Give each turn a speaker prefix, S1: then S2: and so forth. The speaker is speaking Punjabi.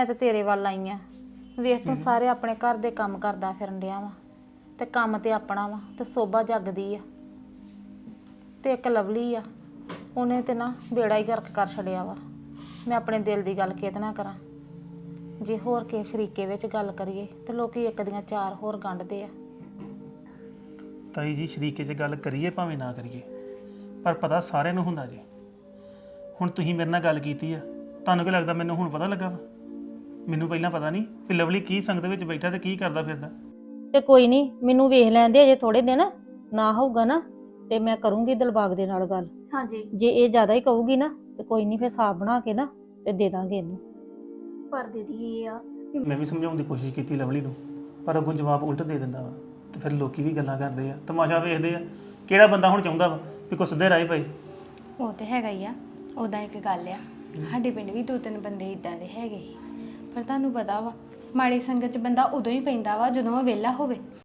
S1: ਮੈਂ ਤਾਂ ਤੇਰੇ ਵੱਲ ਆਈ ਆ। ਵੇਖ ਤੂੰ ਸਾਰੇ ਆਪਣੇ ਘਰ ਦੇ ਕੰਮ ਕਰਦਾ ਫਿਰਨ ਡਿਆ ਵਾ ਤੇ ਕੰਮ ਤੇ ਆਪਣਾ ਵਾ ਤੇ ਸੋਭਾ ਜਗਦੀ ਆ ਤੇ ਇੱਕ ਲਵਲੀ ਆ, ਉਹਨੇ ਤੇ ਨਾ ਬੇੜਾ ਹੀ ਗਰਕ ਕਰ ਛੜਿਆ ਵਾ। ਮੈਂ ਆਪਣੇ ਦਿਲ ਦੀ ਗੱਲ ਕਿਹਦੇ ਨਾਲ ਕਰਾਂ? ਜੇ ਹੋਰ ਕਿਸੇ ਸ਼ਰੀਕੇ ਵਿੱਚ ਗੱਲ ਕਰੀਏ ਤੇ ਲੋਕੀ ਇੱਕ ਦੀਆਂ ਚਾਰ ਹੋਰ ਗੰਢਦੇ ਆ।
S2: ਤਾਈ ਜੀ ਸ਼ਰੀਕੇ 'ਚ ਗੱਲ ਕਰੀਏ ਭਾਵੇਂ ਨਾ ਕਰੀਏ, ਪਰ ਪਤਾ ਸਾਰਿਆਂ ਨੂੰ ਹੁੰਦਾ ਜੀ। ਹੁਣ ਤੁਸੀਂ ਮੇਰੇ ਨਾਲ ਗੱਲ ਕੀਤੀ ਆ, ਤੁਹਾਨੂੰ ਕੀ ਲੱਗਦਾ ਮੈਨੂੰ ਹੁਣ ਪਤਾ ਲੱਗਾ ਵਾ? ਮੈਨੂੰ ਪਹਿਲਾਂ ਪਤਾ ਨਹੀਂ ਕਿ ਲਵਲੀ ਕੀ ਸੰਗਤ ਵਿੱਚ ਬੈਠਾ ਤੇ ਕੀ ਕਰਦਾ ਫਿਰਦਾ।
S3: ਤੇ ਕੋਈ ਨਹੀਂ, ਮੈਨੂੰ ਵੇਖ ਲੈਂਦੇ ਅਜੇ ਥੋੜੇ ਦਿਨ ਨਾ ਹੋਊਗਾ ਨਾ ਤੇ ਮੈਂ ਕਰੂੰਗੀ ਦਿਲਬਾਗ ਦੇ ਨਾਲ ਗੱਲ।
S1: ਹਾਂਜੀ,
S3: ਜੇ ਇਹ ਜ਼ਿਆਦਾ ਹੀ ਕਹੂਗੀ ਨਾ ਤੇ ਕੋਈ ਨਹੀਂ, ਫਿਰ ਸਾਫ ਬਣਾ ਕੇ ਨਾ ਤੇ ਦੇ ਦਾਂਗੇ ਇਹਨੂੰ।
S1: ਪਰ ਦੀਦੀ ਇਹ ਆ
S2: ਮੈਂ ਵੀ ਸਮਝਾਉਣ ਦੀ ਕੋਸ਼ਿਸ਼ ਕੀਤੀ ਲਵਲੀ ਨੂੰ, ਪਰ ਅੱਗੋਂ ਜਵਾਬ ਉਲਟ ਦੇ ਦਿੰਦਾ ਵਾ ਤੇ ਫਿਰ ਲੋਕੀ ਵੀ ਗੱਲਾਂ ਕਰਦੇ ਆ, ਤਮਾਸ਼ਾ ਵੇਖਦੇ ਆ। ਕਿਹੜਾ ਬੰਦਾ ਹੁਣ ਚਾਹੁੰਦਾ ਵਾ ਵੀ ਕੋਈ ਸਿੱਧੇ ਰਾਹ ਪਏ?
S4: ਉਹ ਤੇ ਹੈਗਾ ਹੀ ਆ। ਉਦਾਂ ਇੱਕ ਗੱਲ ਆ, ਸਾਡੇ ਪਿੰਡ ਵੀ 2-3 ਬੰਦੇ ਇਦਾਂ ਦੇ ਹੈਗੇ ਸੀ, ਪਰ ਤੁਹਾਨੂੰ ਪਤਾ ਵਾ ਮਾੜੀ ਸੰਗਤ 'ਚ ਬੰਦਾ ਉਦੋਂ ਹੀ ਪੈਂਦਾ ਵਾ ਜਦੋਂ ਉਹ ਵਿਹਲਾ ਹੋਵੇ।